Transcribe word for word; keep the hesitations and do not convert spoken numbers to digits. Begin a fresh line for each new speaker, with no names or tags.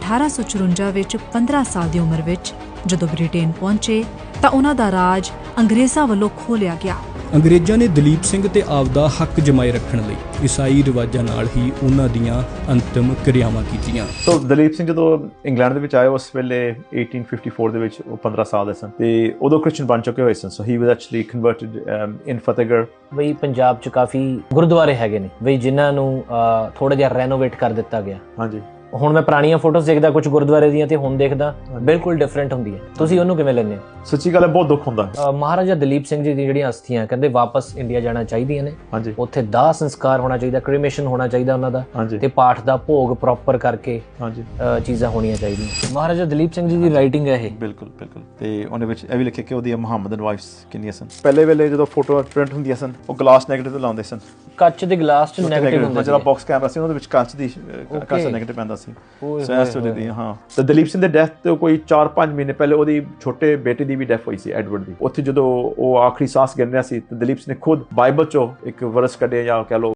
ਅਠਾਰਾਂ ਸੌ ਚੁਰੰਜਾ ਵਿੱਚ ਪੰਦਰਾਂ ਸਾਲ ਦੀ ਉਮਰ ਵਿੱਚ ਜਦੋਂ ਬ੍ਰਿਟੇਨ ਪਹੁੰਚੇ ਤਾਂ ਉਹਨਾਂ ਦਾ ਰਾਜ ਅੰਗਰੇਜ਼ਾਂ ਵੱਲੋਂ ਖੋਹ ਲਿਆ ਗਿਆ।
ਅੰਗਰੇਜ਼ਾਂ ਨੇ ਦਲੀਪ ਸਿੰਘ ਤੇ ਆਪਦਾ ਹੱਕ ਜਮਾਏ ਰੱਖਣ ਲਈ ਈਸਾਈ ਰਿਵਾਜਾਂ ਨਾਲ ਹੀ ਉਹਨਾਂ ਦੀਆਂ ਅੰਤਿਮ ਕਿਰਿਆਵਾਂ ਕੀਤੀਆਂ।
ਸੋ ਦਲੀਪ ਸਿੰਘ ਜਦੋਂ ਇੰਗਲੈਂਡ ਦੇ ਵਿੱਚ ਆਏ ਉਸ ਵੇਲੇ eighteen fifty-four ਦੇ ਵਿੱਚ ਉਹ ਪੰਦਰਾਂ ਸਾਲ ਦੇ ਸਨ ਤੇ ਉਦੋਂ ਕ੍ਰਿਸਚੀਅਨ ਬਣ ਚੁੱਕੇ ਹੋਏ ਸਨ। So he was actually converted in Fatehgarh.
ਬਈ ਪੰਜਾਬ 'ਚ ਕਾਫੀ ਗੁਰਦੁਆਰੇ ਹੈਗੇ ਨੇ ਬਈ ਜਿਨ੍ਹਾਂ ਨੂੰ ਥੋੜਾ ਜਿਹਾ ਰੈਨੋਵੇਟ ਕਰ ਦਿੱਤਾ ਗਿਆ।
ਹਾਂਜੀ,
ਹੁਣ ਮੈਂ ਪੁਰਾਣੀਆਂ ਫੋਟੋਜ਼ ਦੇਖਦਾ ਕੁਝ ਗੁਰਦੁਆਰੇ ਦੀਆਂ ਤੇ ਹੁਣ ਦੇਖਦਾ ਬਿਲਕੁਲ ਡਿਫਰੈਂਟ ਹੁੰਦੀ ਹੈ। ਤੁਸੀਂ ਉਹਨੂੰ ਕਿਵੇਂ ਲੈਂਦੇ ਹੋ?
ਸੱਚੀ ਗੱਲ ਹੈ, ਬਹੁਤ ਦੁੱਖ ਹੁੰਦਾ।
ਮਹਾਰਾਜਾ ਦਲੀਪ ਸਿੰਘ ਜੀ ਦੀ ਜਿਹੜੀਆਂ ਅਸਥੀਆਂ ਕਹਿੰਦੇ ਵਾਪਸ ਇੰਡੀਆ ਜਾਣਾ ਚਾਹੀਦੀਆਂ ਨੇ।
ਹਾਂਜੀ,
ਉੱਥੇ ਦਾਹ ਸੰਸਕਾਰ ਹੋਣਾ ਚਾਹੀਦਾ, ਕ੍ਰੀਮੇਸ਼ਨ ਹੋਣਾ ਚਾਹੀਦਾ ਉਹਨਾਂ ਦਾ।
ਹਾਂਜੀ,
ਤੇ ਪਾਠ ਦਾ ਭੋਗ ਪ੍ਰੋਪਰ ਕਰਕੇ
ਹਾਂਜੀ
ਚੀਜ਼ਾਂ ਹੋਣੀਆਂ ਚਾਹੀਦੀਆਂ। ਮਹਾਰਾਜਾ ਦਲੀਪ ਸਿੰਘ ਜੀ ਦੀ ਰਾਈਟਿੰਗ ਹੈ ਇਹ।
ਬਿਲਕੁਲ ਬਿਲਕੁਲ। ਤੇ ਉਹਦੇ ਵਿੱਚ ਇਹ ਵੀ ਲਿਖਿਆ ਕਿ ਉਹਦੀਆਂ ਮੁਹੰਮਦਨ ਵਾਈਫਸ ਕਿੰਨੀਆਂ ਸਨ। ਪਹਿਲੇ ਵੇਲੇ ਜਦੋਂ ਫੋਟੋ ਪ੍ਰਿੰਟ ਹੁੰਦੀਆਂ ਸਨ ਉਹ ਗਲਾਸ ਨੈਗੇਟਿਵ ਤੇ ਲਾਉਂਦੇ ਸਨ।
ਕੱਚ ਦੇ ਗਲਾਸ 'ਚ ਨੈਗੇਟਿਵ ਹੁੰਦਾ ਸੀ।
ਜਿਹੜਾ ਬਾਕਸ ਕੈਮਰਾ ਸੀ ਉਹਦੇ ਵਿੱਚ ਕੱਚ ਦੀ ਕੱਚ ਦਾ ਨੈਗੇਟਿਵ ਪੈਂਦਾ ਸੀ। ਹਾਂ, ਤੇ ਦਲੀਪ ਸਿੰਘ ਦੇ ਡੈਥ ਤੋਂ ਕੋਈ ਚਾਰ ਪੰਜ ਮਹੀਨੇ ਪਹਿਲੇ ਉਹਦੀ ਛੋਟੇ ਬੇਟੇ ਦੀ ਵੀ ਡੈਥ ਹੋਈ ਸੀ, ਐਡਵਰਡ ਦੀ। ਉੱਥੇ ਜਦੋਂ ਉਹ ਆਖਰੀ ਸਾਹ ਗਿਣ ਰਿਹਾ ਸੀ ਤੇ ਦਲੀਪ ਸਿੰਘ ਨੇ ਖੁਦ ਬਾਈਬਲ ਚੋਂ ਇੱਕ ਵਰਸ ਕੱਢਿਆ ਜਾਂ ਕਹਿ ਲਓ